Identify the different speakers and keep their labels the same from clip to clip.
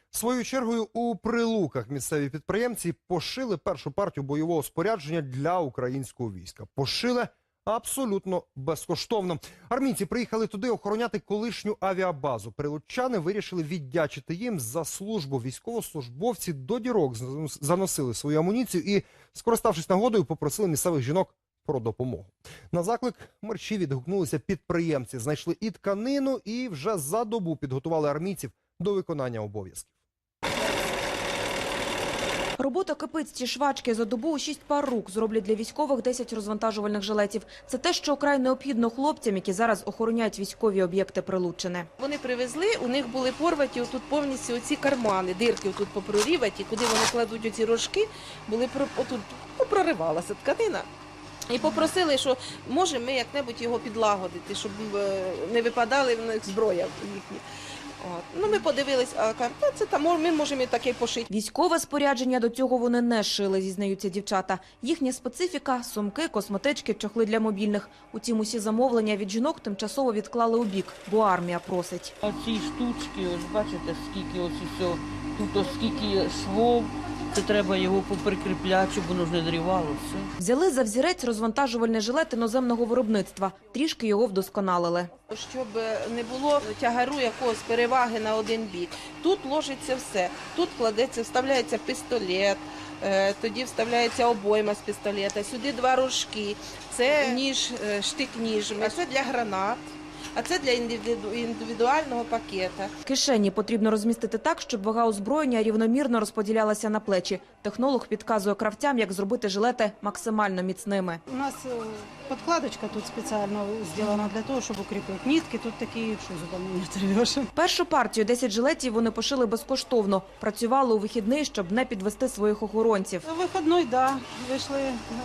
Speaker 1: Своєю чергою у Прилуках місцеві підприємці пошили першу партію бойового спорядження для українського війська. Пошили абсолютно безкоштовно. Армійці приїхали туди охороняти колишню авіабазу. Прилуччани вирішили віддячити їм за службу. Військовослужбовці до дірок заносили свою амуніцію і, скориставшись нагодою, попросили місцевих жінок про допомогу. На заклик мерчі відгукнулися підприємці. Знайшли і тканину, і вже за добу підготували армійців до виконання обов'язків.
Speaker 2: Робота кипить. Ці швачки за добу у 6 пар рук зроблять для військових 10 розвантажувальних жилетів. Це те, що вкрай необхідно хлопцям, які зараз охороняють військові об'єкти Прилуччини.
Speaker 3: Вони привезли, у них були порваті отут повністю оці кармани, дирки тут попроріваті, куди вони кладуть оці рожки, були отут проривалася тканина. І попросили, що може ми як-небудь його підлагодити, щоб не випадали в них зброя їхні. Ми подивились, а це там ми можемо і таке пошити.
Speaker 2: Військове спорядження до цього вони не шили, зізнаються дівчата. Їхня специфіка – сумки, косметички, чохли для мобільних. Утім, усі замовлення від жінок тимчасово відклали у бік, бо армія просить.
Speaker 4: Оці штучки, ось бачите, скільки ось усе, тут ось скільки швов. Це треба його поприкріпляти, щоб воно ж не дрівалося.
Speaker 2: Взяли за взірець розвантажувальний жилет іноземного виробництва. Трішки його вдосконалили.
Speaker 3: Щоб не було тягару якогось переваги на один бік. Тут ложиться все. Тут кладеться, вставляється пістолет, тоді вставляється обойма з пістолета, сюди 2 рожки. Це ніж, штик-ніж, а це для гранат. А це для індивідуального пакета.
Speaker 2: Кишені потрібно розмістити так, щоб вага озброєння рівномірно розподілялася на плечі. Технолог підказує кравцям, як зробити жилети максимально міцними.
Speaker 5: У нас подкладочка тут спеціально зроблена для того, щоб укріпити нитки. Тут такі, що зубами не оторвеш.
Speaker 2: Першу партію 10 жилетів вони пошили безкоштовно. Працювали у вихідний, щоб не підвести своїх охоронців.
Speaker 5: Вихідний, да, вийшли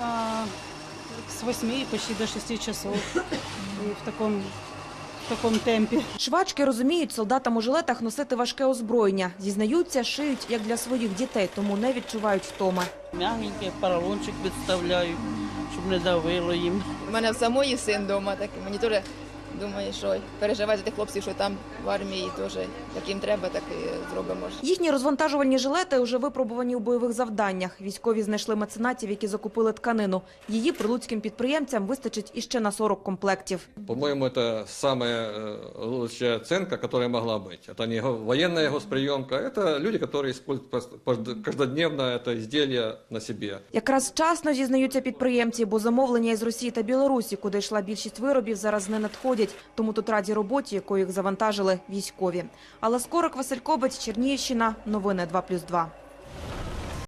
Speaker 5: з 8 почти до 6 часов. І в такому темпі.
Speaker 2: Швачки розуміють, солдатам у жилетах носити важке озброєння. Зізнаються, шиють як для своїх дітей, тому не відчувають втоми.
Speaker 4: М'ягеньке, поролончик підставляю, щоб не давило їм.
Speaker 6: У мене в самої син вдома, так мені теж думаю, що переживати за тих хлопців, що там в армії теж як їм треба, так і зробимо.
Speaker 2: Їхні розвантажувальні жилети вже випробувані у бойових завданнях. Військові знайшли меценатів, які закупили тканину. Її прилуцьким підприємцям вистачить іще на 40 комплектів.
Speaker 7: По-моему, это самая лучшая оценка, которая могла быть. Это не военная госприемка, это люди, которые используют каждодневно это изделие на себе.
Speaker 2: Якраз вчасно, зізнаються підприємці, бо замовлення із Росії та Білорусі, куди йшла більшість виробів, зараз не надходять. Тому тут раді роботі, якою їх завантажили військові. Алла Скорик, Василь Кобець, Чернігівщина. Новини 2+2.